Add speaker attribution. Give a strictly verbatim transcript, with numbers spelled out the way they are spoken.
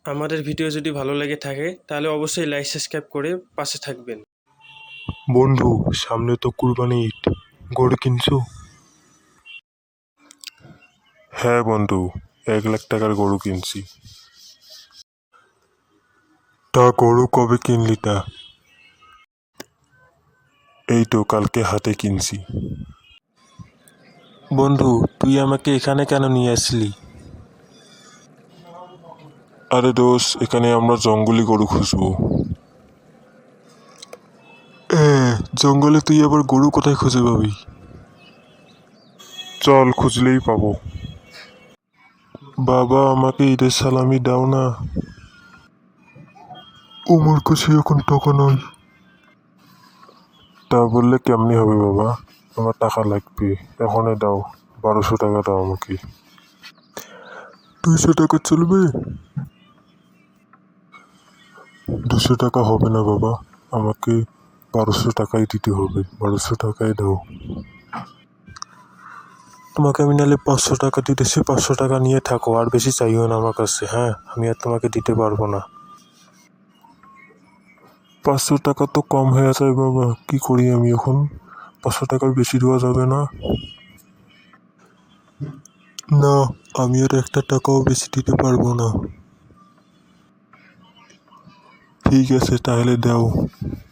Speaker 1: আমাদের ভিডিও যদি ভালো লেগে থাকে তাহলে অবশ্যই লাইক সাবস্ক্রাইব করে পাশে থাকবেন।
Speaker 2: বন্ধু, সামনে তো কুরবানি ঈদ, গরু কিনছো? হ্যাঁ বন্ধু, এক লাখ টাকার গরু কিনছি। তা গরু কবে কিনলি তা? এই তো কালকে হাতে কিনছি।
Speaker 3: বন্ধু, তুই আমাকে এখানে কেন নিয়ে আসলি?
Speaker 2: আরে দোষ, এখানে আমরা জঙ্গলি গরু খুঁজবো। এ জঙ্গলে তুই আবার গরু কোথায় খুঁজে পাবি? চল, খুঁজলেই পাবো। বাবা, আমাকে ঈদের সালামি দাও না। আমার কাছে এখন টাকা নয়। তা বললে কেমনি হবে বাবা, আমার টাকা লাগবে, এখনই দাও। বারোশো টাকা দাও আমাকে। দুইশো টাকা চলবে? দুশো টাকা হবে না বাবা, আমাকে বারোশো টাকাই দিতে হবে। বারোশো টাকাই দাও।
Speaker 3: তোমাকে আমি নাহলে পাঁচশো টাকা দিতেছি, পাঁচশো টাকা নিয়ে থাকো, আর বেশি চাইও না আমার কাছে। হ্যাঁ, আমি আর তোমাকে দিতে পারবো না।
Speaker 2: পাঁচশো টাকা তো কম হয়ে যায় বাবা, কি করি আমি এখন? পাঁচশো টাকার বেশি দেওয়া যাবে না? না, আমি আর একটা টাকাও বেশি দিতে পারবো না। ঠিক আছে, তাহলে দাও।